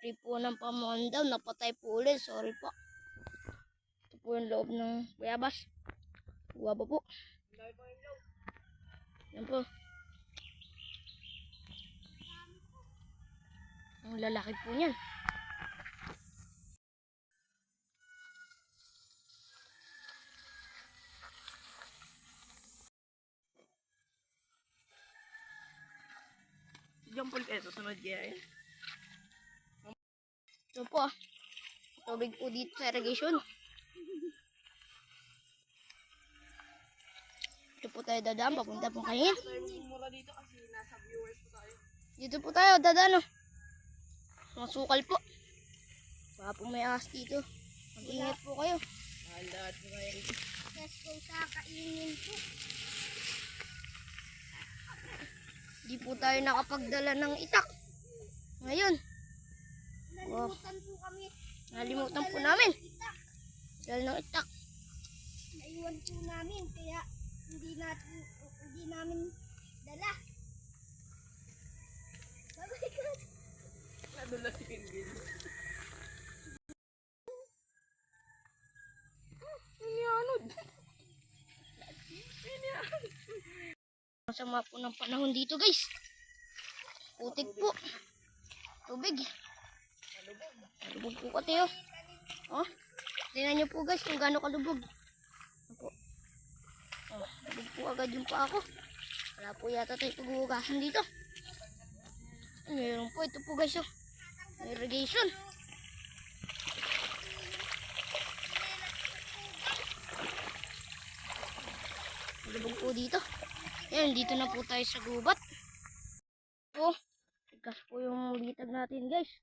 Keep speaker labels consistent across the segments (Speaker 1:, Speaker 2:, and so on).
Speaker 1: Free po ng pamandaw. Napatay po ulit. Sorry po. Ito po yung loob ng bayabas. Guwaba po. Yan po. Ang lalaki po niyan.
Speaker 2: Diyan po kayo susunod yan.
Speaker 1: Ito po. Tubig po dito sa irrigation. Ito po tayo dadaan. Papunta po kayo.
Speaker 2: Mura dito kasi nasa viewers po tayo.
Speaker 1: Dito po tayo dadaan. Masukal po. Baka po may ahas dito. Mag-ingat po kayo.
Speaker 2: Lahat po kayo.
Speaker 1: Yes po sa kainin po. Di po tayo nakapagdala ng itak. Ngayon.
Speaker 3: Nalimutan po kami.
Speaker 1: Nalimutan po namin. Dala ng itak.
Speaker 3: Naiwan po namin kaya hindi namin dala. Oh my God.
Speaker 2: Nadula si Pinggin. Inianod.
Speaker 1: Masama po ng panahon dito guys. Putik po. Tubig. Kalubog po kasi oh. Oh. Tingnan nyo po guys kung gaano kalubog. Ano po. Oh, lubog po agad yung paa ko. Wala po yata tayo paghuhugasan dito. Meron po ito po guys oh. Irrigation. Lubog po dito. Yan, dito na po tayo sa gubat. Po, tigas po yung bitag natin guys.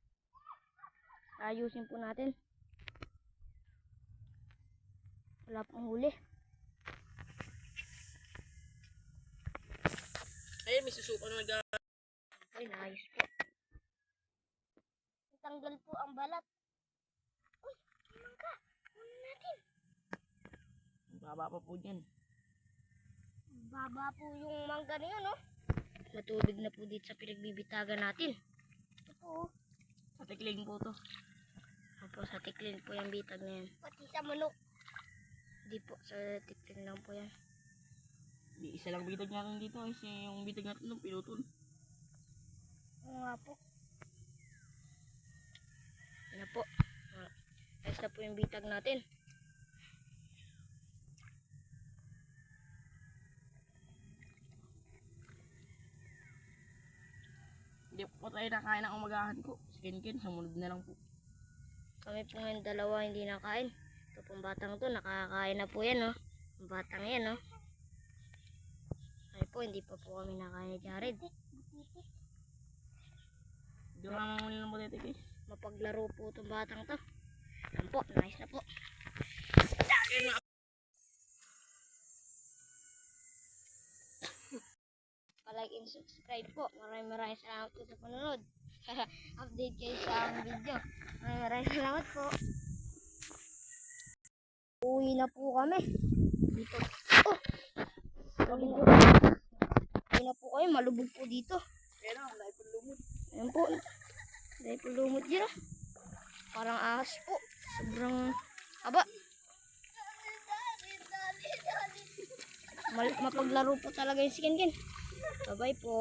Speaker 1: Ayusin po natin. Wala pong huli.
Speaker 2: Ay, may susuko na nag-
Speaker 1: Ay, naayos po. Tanggal po ang balat. Uy, naman ka. Una natin.
Speaker 2: Baba pa po dyan.
Speaker 1: Baba po yung mangga na yun, no? Matubig na po dito sa pinagbibitagan natin. Ito po.
Speaker 2: Sa tikling po to.
Speaker 1: Opo, sa tiklin po yung bitag na yan.
Speaker 3: Pati sa manok.
Speaker 1: Hindi po, sa tiklin lang po yan.
Speaker 2: Di isa lang bitag natin dito kasi yung bitag natin nung pinutol.
Speaker 1: Oo nga po. Yan na po. Ayos na po yung bitag natin.
Speaker 2: Hindi po tayo nakain ng umagahan ko. Si Ken, sumunod na lang po.
Speaker 1: Kami po ngayon dalawa hindi nakain. Ito pong batang to, nakakain na po yan, no? Ang batang yan, no? Ay po, hindi pa po kami nakain ni Jared.
Speaker 2: Hindi ko naman muli ng butete guys.
Speaker 1: Mapaglaro po itong batang to. Yan po, nice na po. Palike and subscribe po. Maraming salamat po sa panonood. Update kayo sa aming video. Maraming salamat po. Uwi na po kami. Dito. Oh! Uwi na po kayo. Malubog po dito.
Speaker 2: Ayan o, dahil po lumot.
Speaker 1: Ayan po. Dahil po lumot dyan. Parang ahas po. Sobrang haba. Mapaglaro po talaga yung si Ken Ken. Bye-bye po.